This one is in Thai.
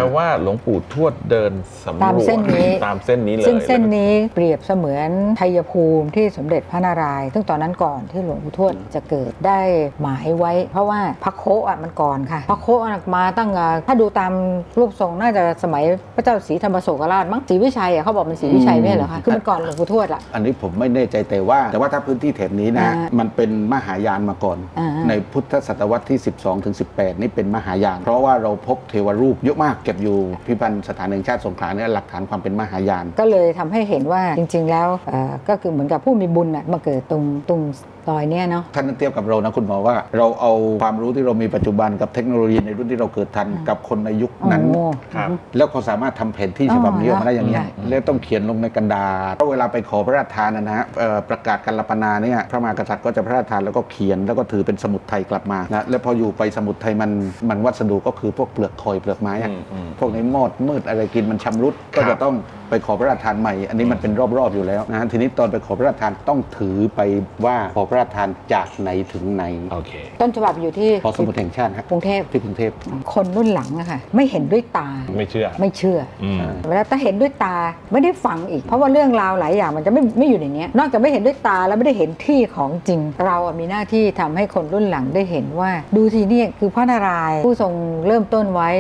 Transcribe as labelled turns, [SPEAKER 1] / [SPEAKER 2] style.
[SPEAKER 1] ว่าหลวงปู่ทวดเดินสำรวจ
[SPEAKER 2] ตามเส้นนี้
[SPEAKER 1] ตามเส้นนี้เลย
[SPEAKER 2] ซึ่งเส้นนี้เปรียบเสมือนชัยภูมิที่สมเด็จพระนารายณ์ซึ่งตอนนั้นก่อนที่หลวงปู่ทวดจะเกิดได้หมายไว้ เพราะว่าพระโคอ่ะมันก่อนค่ะพระโคมาตั้งถ้าดูตามรูปทรงน่าจะสมัยพระเจ้าศรีธรรมโศกราชมั้งศรีวิชัยอ่ะเขาบอกมันศรีวิชัยไม่ใช่เหรอคะคือมันก่อนหลวงปู่ทวดอ่ะ
[SPEAKER 3] อันนี้ผมไม่แน่ใจแต่ว่าถ้าพื้นที่แถบนี้นะมันเป็นมหายานมาก่อน ในพุทธศตวรรษที่ 12 ถึง 18 นี่เป็นมหายาน เพราะว่าเราพบเทวรูปเยอะมากเก็บอยู่พิพิธภัณฑ์สถานแห่งชาติสงขลาเนี่ยหลักฐานความเป็นมหายาน
[SPEAKER 2] ก็เลยทำให้เห็นว่าจริงๆแล้วก็คือเหมือนกับผู้มีบุญมาเกิดตรงรอยเนี่ยเนาะ
[SPEAKER 3] ท่านเทียบกับเรานะคุณหมอว่าเราเอาความรู้ที่เรามีปัจจุบันกับเทคโนโลยีในรุ่นที่เราเกิดทันกับคนในยุคนั้นแล้วเขาสามารถทำแผนที่ฉบับนี้ออกมาได้อย่างนี้แล้วต้องเขียนลงในกันดารเพราะเวลาไปขอพระราชทานนะฮะประกาศกัลปนาเนี่ยพระมหากษัตริย์ก็จะพระราชทานแล้วก็เขียนแล้วก็ถือเป็นสมุดไทยกลับมานะแล้วพออยู่ไปสมุดไทยมันวัสดุก็คือพวกเปลือกคอยเปลือกไม้พวกนี้มอดมืดอะไรกินมันชำรุดก็จะต้องไปขอพระราชทานใหม่อันนี้มันเป็นรอบๆอยู่แล้วนะทีนี้ตอนไปขอพระราชทานต้องถือไปว่าขอพระราชทานจากไหนถึงไหน
[SPEAKER 2] ต้นฉบับอยู่ที่
[SPEAKER 3] หอสมุดแห่งชาติครับ
[SPEAKER 2] กรุงเทพ
[SPEAKER 3] ที่กรุงเทพ
[SPEAKER 2] คนรุ่นหลังอะค่ะไม่เห็นด้วยตา
[SPEAKER 1] ไม่เชื่อ
[SPEAKER 2] แล้วถ้าเห็นด้วยตาไม่ได้ฟังอีกเพราะว่าเรื่องราวหลายอย่างมันจะไม่อยู่ในนี้นอกจากไม่เห็นด้วยตาแล้วไม่ได้เห็นที่ของจริงเรามีหน้าที่ทำให้คนรุ่นหลังได้เห็นว่าดูทีนี่คือพระนารายณ์ผู้ทรงเริ่มต้นไว้